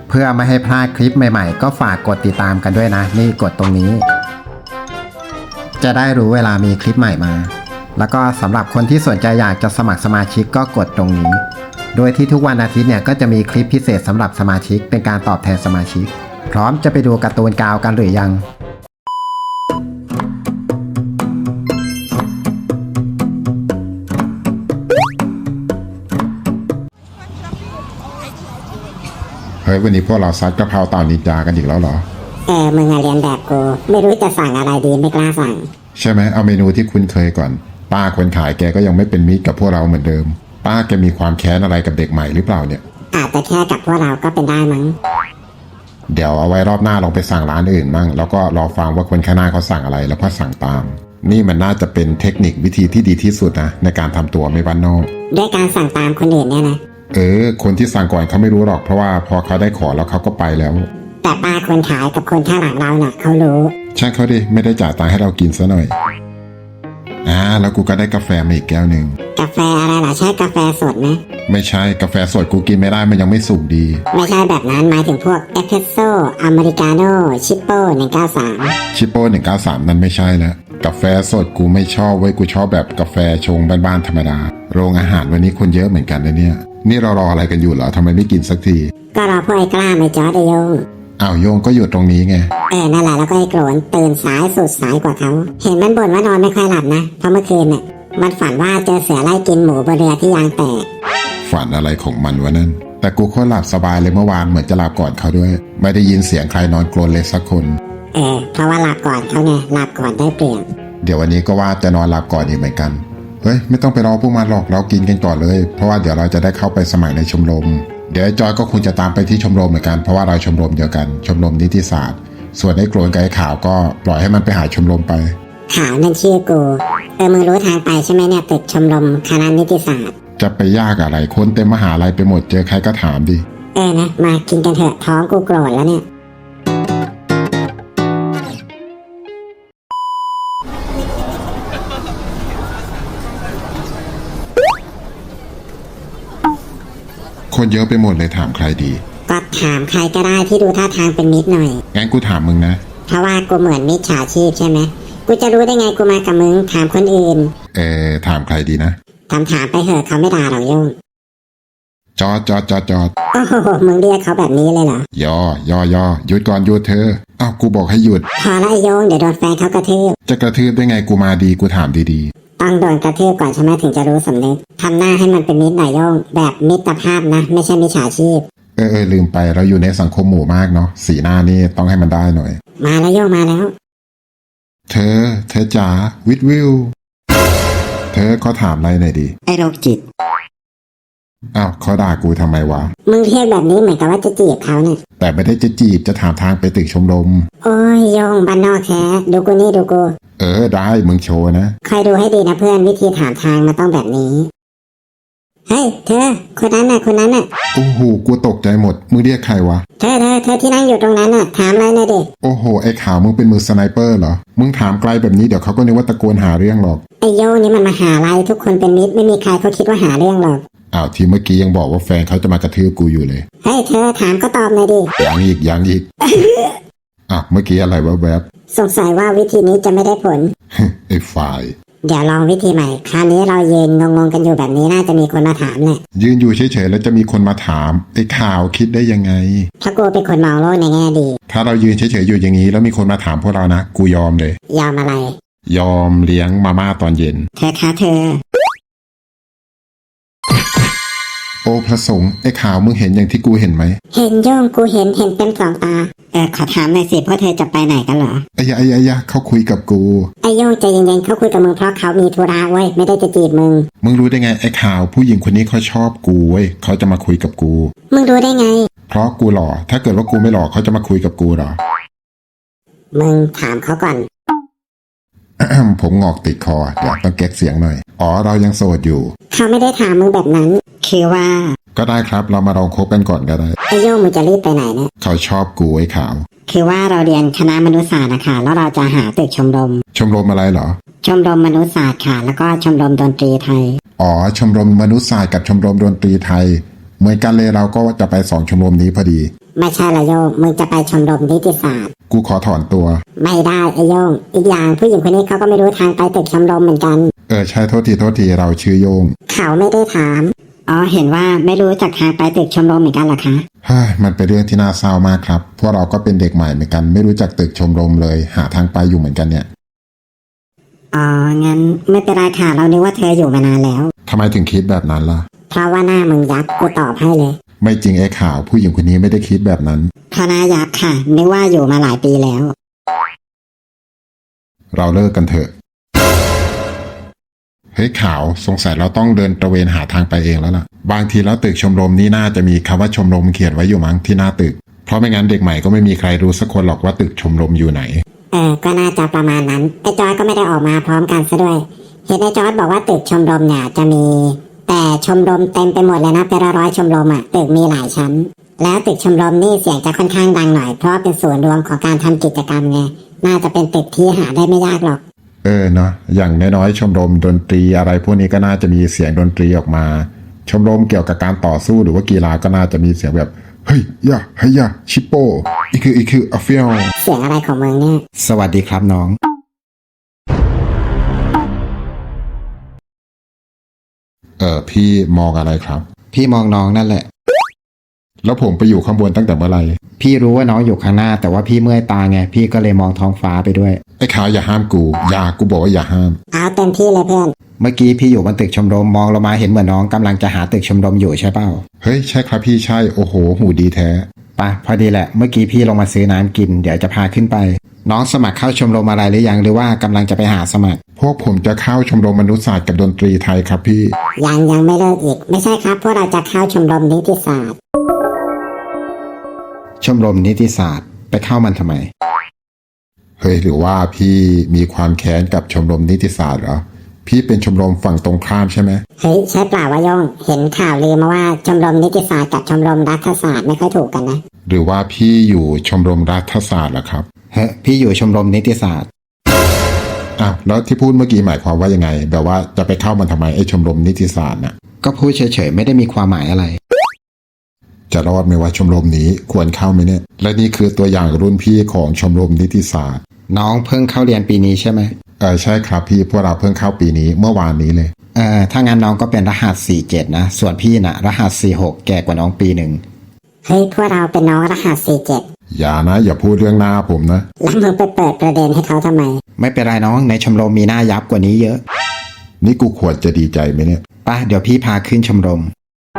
เพื่อไม่ให้พลาดคลิปใหม่ๆก็ฝากกดติดตามกันด้วยนะนี่กดตรงนี้จะได้รู้เวลามีคลิปใหม่มาแล้วก็สำหรับคนที่สนใจอยากจะสมัครสมาชิกก็กดตรงนี้โดยที่ทุกวันอาทิตย์เนี่ยก็จะมีคลิปพิเศษสำหรับสมาชิกเป็นการตอบแทนสมาชิกพร้อมจะไปดูการ์ตูนกาวกันหรือยังเฮ้ยวันนี้พวกเราซัดกะเพราเต่านินจากันอีกแล้วเหรอมึงเรียนแบบกูไม่รู้จะสั่งอะไรดีไม่กล้าสั่งใช่ไหมเอาเมนูที่คุ้นเคยก่อนป้าคนขายแกก็ยังไม่เป็นมิตรกับพวกเราเหมือนเดิมป้าแกมีความแค้นอะไรกับเด็กใหม่หรือเปล่าเนี่ยอาจจะแค่กับพวกเราก็เป็นได้มั้งเดี๋ยวเอาไว้รอบหน้าลองไปสั่งร้านอื่นมั่งแล้วก็รอฟังว่าคนข้างหน้าเขาสั่งอะไรแล้วก็สั่งตามนี่มันน่าจะเป็นเทคนิควิธีที่ดีที่สุดนะในการทำตัวไม่บ้านนอกด้วยการสั่งตามคนอื่นเนี่ยนะคนที่สั่งก่อนเขาไม่รู้หรอกเพราะว่าพอเขาได้ขอแล้วเขาก็ไปแล้วแต่ป้าคนขายกับคนข้างหลังเราน่ะเขารู้ช่างเขาดิไม่ได้จ่ายตังค์ให้เรากินซะหน่อยแล้วกูก็ได้กาแฟมาอีกแก้วหนึ่งกาแฟอะไรล่ะใช่กาแฟสดไหมไม่ใช่กาแฟสดกูกินไม่ได้มันยังไม่สุกดีไม่ใช่แบบนั้นหมายถึงพวกเอสเปรสโซ่อเมริกาโน่ชิปโป้193 ชิปโป้193นั่นไม่ใช่แล้วกาแฟสดกูไม่ชอบเว้ยกูชอบแบบกาแฟชงบ้านๆธรรมดาโรงอาหารวันนี้คนเยอะเหมือนกันนะเนี่ยนี่เรารออะไรกันอยู่เหรอทำไมไม่กินสักทีก็รอพวกไอ้กล้าไม่จอดโยงโยงก็อยู่ตรงนี้ไงนั่นแหละแล้วก็ไอ้โกรนตื่นสายสุดสายกว่าเขาเห็นมันบ่นว่านอนไม่ค่อยหลับนะเพราะเมื่อคืนน่ะมันฝันว่าเจอเสือไล่กินหมูบนเรือที่ยางแตกฝันอะไรของมันวะนั่นแต่กูโคตรหลับสบายเลยเมื่อวานเหมือนจะหลับก่อนเขาด้วยไม่ได้ยินเสียงใครนอนกรนเลยสักคนเพราะว่าหลับก่อนเขาไงหลับก่อนได้เปรียบเดี๋ยววันนี้ก็ว่าจะนอนหลับก่อนอีกเหมือนกันเฮ้ยไม่ต้องไปรอพวกมันหรอกเรากินกันก่อนเลยเพราะว่าเดี๋ยวเราจะได้เข้าไปสมัครในชมรมเดี๋ยวจอยก็คงจะตามไปที่ชมรมเหมือนกันเพราะว่าเราชมรมเดียวกันชมรมนิติศาสตร์ส่วนไอ้โกรนกับไอ้ขาวก็ปล่อยให้มันไปหาชมรมไปขาวนั่นชื่อกูมึงรู้ทางไปใช่ไหมเนี่ยตึกชมรมคณะนิติศาสตร์จะไปยากอะไรคนเต็มมหาลัยไปหมดเจอใครก็ถามดินะมากินกันเถอะท้องกูโกรธแล้วเนี่ยคนเยอะไปหมดเลยถามใครดีก็ถามใครก็ได้ที่ดูท่าทางเป็นมิตรหน่อยงั้นกูถามมึงนะเพราะว่ากูเหมือนมิจฉาชีพใช่ไหมกูจะรู้ได้ไงกูมากับมึงถามคนอื่นถามใครดีนะถามไปเถอะเขาไม่ด่าหรอกโยงจอดโอ้โหมึงเรียกเขาแบบนี้เลยเหรอย่อหยุดก่อนหยุดเธอกูบอกให้หยุดพอแล้วไอ้โยงเดี๋ยวโดนแฟนเขากระทืบจะกระทืบได้ไงกูมาดีกูถามดีๆต้องโดนกระทืบก่อนใช่ไหมถึงจะรู้สำนึกทำหน้าให้มันเป็นมิตรหน่อยโยงแบบมิตรภาพนะไม่ใช่มิจฉาชีพลืมไปเราอยู่ในสังคมหมู่มากเนาะสีหน้านี่ต้องให้มันได้หน่อยมาแล้วโยงมาแล้วเธอจ๋าวิทวิวเธอเขาถามอะไรหน่อยดีไอ้โรคจิตเขาด่ากูทำไมวะมึงเรียกแบบนี้เหมือนกับว่าจะจีบเขาเนี่ยแต่ไม่ได้จะจีบจะถามทางไปตึกชมรมโอ้ยโยงบ้านนอกแท้ดูกูนี่ดูกูได้มึงโชว์นะคอยดูให้ดีนะเพื่อนวิธีถามทางมันต้องแบบนี้เฮ้ยเธอคนนั้นน่ะโอ้โหกูตกใจหมดมึงเรียกใครวะเธอที่นั่งอยู่ตรงนั้นน่ะถามอะไรหน่อยดิโอ้โหไอ้ขาวมึงเป็นมือสไนเปอร์เหรอมึงถามไกลแบบนี้เดี๋ยวเขาก็นึกว่าตะโกนหาเรื่องหรอกไอ้โยนี่มันมาหาอะไรทุกคนเป็นมิตรไม่มีใครเขาคิดว่าหาเรื่องหรอกที่เมื่อกี้ยังบอกว่าแฟนเขาจะมากระทืบกูอยู่เลยเฮ้ยเธอถามก็ตอบหน่อยดิยังอีก เมื่อกี้อะไรแวบสงสัยว่าวิธีนี้จะไม่ได้ผลไอ้ฝ่ายเดี๋ยวลองวิธีใหม่คราวนี้เรายืนงงกันอยู่แบบนี้น่าจะมีคนมาถามแหละยืนอยู่เฉยๆแล้วจะมีคนมาถามไอ้ข่าวคิดได้ยังไงถ้ากูเป็นคนมองโลกในแง่ดีถ้าเรายืนเฉยๆอยู่อย่างนี้แล้วมีคนมาถามพวกเรานะกูยอมเลยยอมอะไรยอมเลี้ยงมาม่าตอนเย็นเธอคะเธอโอ้พระสงฆ์ไอ้ข่าวมึงเห็นอย่างที่กูเห็นไหมเห็นโยงกูเห็นเต็มสองตาขอถามหน่อยสิพวกเธอจะไปไหนกันเหรอไอ้ยะเขาคุยกับกูไอ้โยงใจเย็นๆเขาคุยกับมึงเพราะเขามีธุระเว้ยไม่ได้จะจีบมึงรู้ได้ไงไอ้ข่าวผู้หญิงคนนี้เขาชอบกูเว้ยเขาจะมาคุยกับกูมึงรู้ได้ไงเพราะกูหล่อถ้าเกิดว่ากูไม่หล่อเขาจะมาคุยกับกูหรอมึงถามเขาก่อนผมงอกติดคอเดี๋ยวต้องแก๊กเสียงหน่อยเรายังโสดอยู่เขาไม่ได้ถามมึงแบบนั้นคือว่าก็ได้ครับเรามาลองคบกันก่อนก็ได้ไอ้โยงมึงจะรีบไปไหนเนี่ยเขาชอบกูไอ้ขาวคือว่าเราเรียนคณะมนุษยศาสตร์นะคะแล้วเราจะหาตึกชมรมอะไรเหรอชมรมมนุษยศาสตร์ค่ะแล้วก็ชมรมดนตรีไทยชมรมมนุษยศาสตร์กับชมรมดนตรีไทยเหมือนกันเลยเราก็จะไป2ชมรมนี้พอดีไม่ใช่ละโยงมึงจะไปชมรมนิติศาสตร์กูขอถอนตัวไม่ได้ไอโยงอีกอย่างผู้หญิงคนนี้เขาก็ไม่รู้ทางไปตึกชมรมเหมือนกันใช่โทษทีเราชื่อโยงเขาไม่ได้ถามอ๋อเห็นว่าไม่รู้จักทางไปตึกชมรมเหมือนกันเหรอคะเฮ้ยมันเป็นเรื่องที่น่าเศร้ามากครับพวกเราก็เป็นเด็กใหม่เหมือนกันไม่รู้จักตึกชมรมเลยหาทางไปอยู่เหมือนกันเนี่ยอ๋องั้นไม่เป็นไรค่ะเรานึกว่าเธออยู่มานานแล้วทำไมถึงคิดแบบนั้นล่ะเพราะว่าหน้ามึงยักษ์กูตอบให้เลยไม่จริงไอ้ข่าวผู้หญิงคนนี้ไม่ได้คิดแบบนั้นเพราะหน้ายักษ์ค่ะนึกว่าอยู่มาหลายปีแล้วเราเลิกกันเถอะเฮ้ยข่าวสงสัยเราต้องเดินตระเวนหาทางไปเองแล้วล่ะบางทีแล้วตึกชมรมนี่น่าจะมีคำว่าชมรมเขียนไว้อยู่มั้งที่หน้าตึกเพราะไม่งั้นเด็กใหม่ก็ไม่มีใครรู้สักคนหรอกว่าตึกชมรมอยู่ไหนก็น่าจะประมาณนั้นไอ้จอร์จก็ไม่ได้ออกมาพร้อมกันซะด้วยเห็นไอ้จอร์จบอกว่าตึกชมรมเนี่ยจะมี แต่ชมรมเต็มไปหมดเลยนะเป็นร้อยๆชมรมอ่ะตึกมีหลายชั้น แล้วตึกชมรมนี่เสียงจะค่อนข้างดังหน่อยเพราะเป็นส่วนรวมของการทำกิจกรรมไงน่าจะเป็นตึกที่หาได้ไม่ยากหรอกเนาะอย่างน้อยๆชมรมดนตรีอะไรพวกนี้ก็น่าจะมีเสียงดนตรีออกมาชมรมเกี่ยวกับการต่อสู้หรือว่ากีฬาก็น่าจะมีเสียงแบบเฮ้ยยะเฮ้ยยะชิปโปอีคืออเฟียลเสียงอะไรของมึงเนี่ยสวัสดีครับน้องพี่มองอะไรครับพี่มองน้องนั่นแหละแล้วผมไปอยู่ข้างบนตั้งแต่เมื่อไหร่พี่รู้ว่าน้องอยู่ข้างหน้าแต่ว่าพี่เมื่อยตาไงพี่ก็เลยมองท้องฟ้าไปด้วยไอ้ขาวอย่าห้ามกูบอกว่าอย่าห้ามเอาเต็มที่เลยเพื่อนเมื่อกี้พี่อยู่บนตึกชมรมมองลงมาเห็นเหมือนน้องกำลังจะหาตึกชมรมอยู่ใช่เปล่าเฮ้ยใช่ครับพี่ใช่โอ้โหหูดีแท้ปะพอดีแหละเมื่อกี้พี่ลงมาซื้อน้ำกินเดี๋ยวจะพาขึ้นไป น้องสมัครเข้าชมรมอะไรหรือยังหรือว่ากำลังจะไปหาสมัครพวกผมจะเข้าชมรมมนุษยศาสตร์กับดนตรีไทยครับพี่ยังไม่เลิกอีกไม่ใช่ครับพวกเราจะเข้าชมรมนิติศาสตร์ชมรมนิติศาสตร์ไปเข้ามันทำไมเฮ้ยหรือว่าพี่มีความแค้นกับชมรมนิติศาสตร์เหรอพี่เป็นชมรมฝั่งตรงข้ามใช่ไหมเฮ้ยใช่เปล่าวะโยงเห็นข่าวลือมาว่าชมรมนิติศาสตร์กับชมรมรัฐศาสตร์ไม่ค่อยถูกกันนะหรือว่าพี่อยู่ชมรมรัฐศาสตร์เหรอครับเฮ้ยพี่อยู่ชมรมนิติศาสตร์อ้าวแล้วที่พูดเมื่อกี้หมายความว่ายังไงแบบว่าจะไปเข้ามันทำไมไอ้ชมรมนิติศาสตร์น่ะก็พูดเฉยๆไม่ได้มีความหมายอะไรจะรอดไหมว่าชมรมนี้ควรเข้าไหมเนี่ยและนี่คือตัวอย่างรุ่นพี่ของชมรมนิติศาสตร์น้องเพิ่งเข้าเรียนปีนี้ใช่ไหมใช่ครับพี่พวกเราเพิ่งเข้าปีนี้เมื่อวานนี้เลยถ้างั้นน้องก็เป็นรหัส47นะส่วนพี่นะรหัส46แก่กว่าน้องปีหนึ่งเฮ้ยพวกเราเป็นน้องรหัส47 อย่าพูดเรื่องหน้าผมนะแล้วมึงไปเปิดประเด็นให้เขาทำไมไม่เป็นไรน้องในชมรมมีหน้ายับกว่านี้เยอะนี่กูควรจะดีใจไหมเนี่ยป่ะเดี๋ยวพี่พาขึ้นชมรม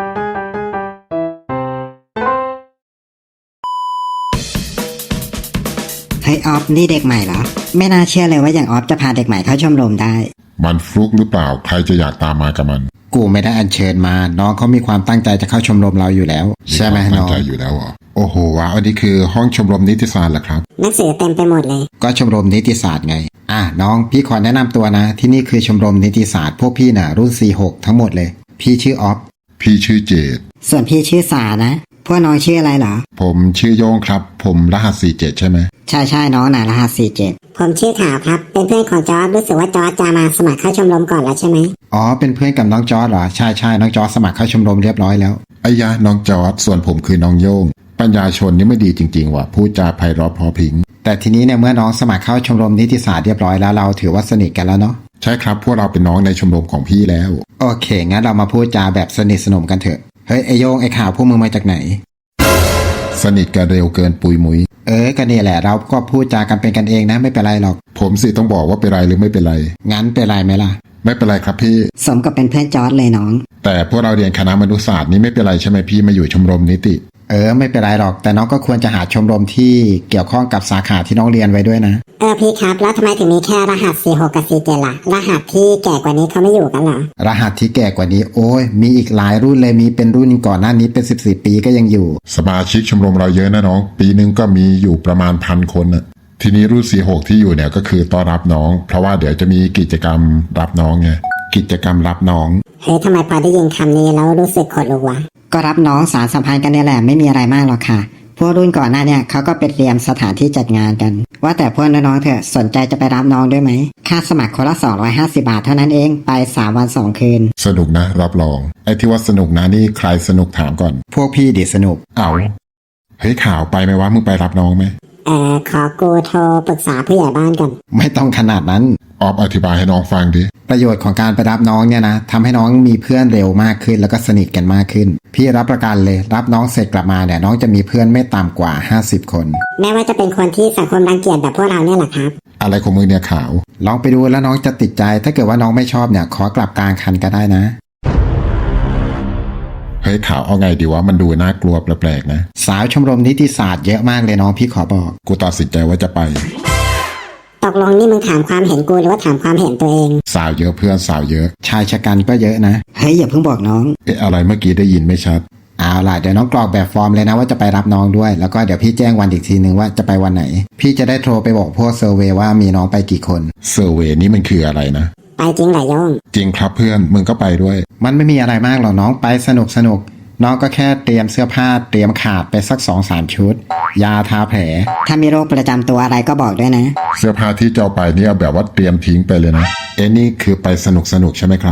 เฮ้ยออฟนี่เด็กใหม่เหรอ ไม่น่าเชื่อเลยว่าอย่างออฟจะพาเด็กใหม่เข้าชมรมได้มันฟลุกหรือเปล่าใครจะอยากตามมากับมันกูไม่ได้อัญเชิญมาน้องเขามีความตั้งใจจะเข้าชมรมเราอยู่แล้ว ใช่ไหมตั้น้งองใจอยู่แล้วเหรอโอ้โหว้าวอันนี้คือห้องชมรมนิติศาสตร์เหรอครับหนังสือเต็มไปหมดเลยก็ชมรมนิติศาสตร์ไงน้องพี่ขอแนะนำตัวนะ ที่นี่คือชมรมนิติศาสตร์พวกพี่น่ะรุ่น46ทั้งหมดเลย พี่ชื่อออฟพี่ชื่อเจดส่วนพี่ชื่อสานะ พวกน้องชื่ออะไรเหรอผมชื่อโยงครับผมรหัส47ใช่ไหมใช่น้องน่ะรหัส47 ผมชื่อขาวครับเป็นเพื่อนของจอร์จรู้สึกว่าจอร์จจะมาสมัครเข้าชมรมก่อนแล้วใช่ไหมอ๋อเป็นเพื่อนกับน้องจอร์ดเหรอใช่น้องจอร์ดสมัครเข้าชมรมเรียบร้อยแล้วไอ้ยะน้องจอร์ดส่วนผมคือน้องโยงปัญญาชนนี่ไม่ดีจริงๆว่ะพูดจาไพเราะเพอพริ้งแต่ทีนี้เนี่ยเมื่อน้องสมัครเข้าชมรมนิติศาสตร์เรียบร้อยแล้วเราถือว่าสนิทกันแล้วเนาะใช่ครับพวกเราเป็นน้องในชมรมของพี่แล้วโอเคงั้นเรามาพูดจาแบบสนิทสนมกันเถอะเฮ้ยไอโยงไอข่าวพวกมึงมาจากไหนสนิทกันเร็วเกินปุยมุยก็นี่แหละเราก็พูดจากันเป็นกันเองนะไม่เป็นไรหรอกผมสิต้องบอกว่าเป็นไรหรือไม่เป็นไรงั้นเป็นไรไหมล่ะไม่เป็นไรครับพี่สมกับเป็นเพื่อนจอร์ดเลยน้องแต่พวกเราเรียนคณะมนุษยศาสตร์นี่ไม่เป็นไรใช่ไหมพี่มาอยู่ชมรมนิติไม่เป็นไรหรอกแต่น้องก็ควรจะหาชมรมที่เกี่ยวข้องกับสาขาที่น้องเรียนไว้ด้วยนะพี่ครับแล้วทำไมถึงมีแค่รหัส46กับ47ล่ะรหัสที่แก่กว่านี้เขาไม่อยู่กันเหรอรหัสที่แก่กว่านี้โอ้ยมีอีกหลายรุ่นเลยมีเป็นรุ่นก่อนหน้านี้เป็น10-10 ปีก็ยังอยู่สมาชิกชมรมเราเยอะนะน้องปีนึงก็มีอยู่ประมาณ1,000 คนน่ะทีนี้รุ่น46ที่อยู่เนี่ยก็คือต้อนรับน้องเพราะว่าเดี๋ยวจะมีกิจกรรมรับน้องไงกิจกรรมรับน้องเฮ้ยทำไมพอได้ยินคำนี้แล้วรู้สึกขนลุกวะก็รับน้องสารสัมพันธ์กันเนี่ยแหละไม่มีอะไรมากหรอกค่ะ พวกรุ่นก่อนหน้าเนี่ยเขาก็ไปเตรียมสถานที่จัดงานกัน ว่าแต่พวกน้องๆเถอะสนใจจะไปรับน้องด้วยไหมค่าสมัครคนละ250 บาทเท่านั้นเองไป3 วัน 2 คืนสนุกนะรับรองไอ้ที่ว่าสนุกนะนี่ใครสนุกถามก่อนพวกพี่ดิสนุกเอาเฮ้ยข่าวไปไหมวะมึงไปรับน้องไหมขอกูโทรปรึกษาผู้ใหญ่บ้านกันไม่ต้องขนาดนั้นออฟอธิบายให้น้องฟังดิประโยชน์ของการไปรับน้องเนี่ยนะทำให้น้องมีเพื่อนเร็วมากขึ้นแล้วก็สนิทกันมากขึ้น พี่รับประกันเลยรับน้องเสร็จกลับมาเนี่ยน้องจะมีเพื่อนไม่ต่ำกว่า50 คนแม้ว่าจะเป็นคนที่สังคมรังเกียจแบบพวกเราเนี่ยแหละครับอะไรของมึงเนี่ยข่าวลองไปดูแล้วน้องจะติดใจ ถ้าเกิดว่าน้องไม่ชอบเนี่ยขอกลับกลางคันก็ได้นะเฮ้ยข่าวเอาไงดีวะมันดูน่ากลัวแปลกๆนะสาวชมรมนิติศาสตร์เยอะมากเลยน้องพี่ขอบอกกูตัดสินใจว่าจะไปตกลงนี่มึงถามความเห็นกูหรือว่าถามความเห็นตัวเองสาวเยอะเพื่อนสาวเยอะชายชะกันก็เยอะนะเฮ้ยอย่าเพิ่งบอกน้องเอ๊ะอะไรเมื่อกี้ได้ยินไม่ชัดเอาล่ะเดี๋ยวน้องกรอกแบบฟอร์มเลยนะว่าจะไปรับน้องด้วยแล้วก็เดี๋ยวพี่แจ้งวันอีกทีนึงว่าจะไปวันไหน พี่จะได้โทรไปบอกพวกเซอร์เวย์ว่ามีน้องไปกี่คนเซอร์เวย์นี่มันคืออะไรนะไปจริงเหรอโยงจริงครับเพื่อนมึงก็ไปด้วยมันไม่มีอะไรมากหรอกน้องไปสนุกน้องก็แค่เตรียมเสื้อผ้าเตรียมขาดไปสัก 2-3 ชุด ยาทาแผลถ้ามีโรคประจำตัวอะไรก็บอกด้วยนะเสื้อผ้าที่จะเอาไปนี่เอาแบบว่าเตรียมทิ้งไปเลยนะเอ้นี่คือไปสนุกใช่ไหมครับ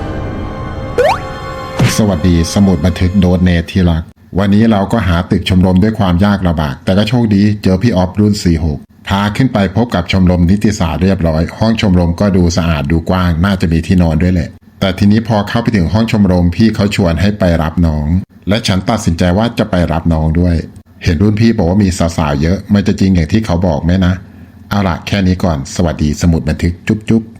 สวัสดีสมุดบันทึกโดเนทที่รัก วันนี้เราก็หาตึกชมรมด้วยความยากลำบากแต่ก็โชคดีเจอพี่ออฟรุ่น 46 พาขึ้นไปพบกับชมรมนิติศาสตร์เรียบร้อย ห้องชมรมก็ดูสะอาดดูกว้างน่าจะมีที่นอนด้วยแหละแต่ทีนี้พอเข้าไปถึงห้องชมรมพี่เขาชวนให้ไปรับน้องและฉันตัดสินใจว่าจะไปรับน้องด้วย เห็นรุ่นพี่บอกว่ามีสาวๆเยอะมันจะจริงอย่างที่เขาบอกไหมนะเอาล่ะแค่นี้ก่อนสวัสดีสมุดบันทึกจุ๊บ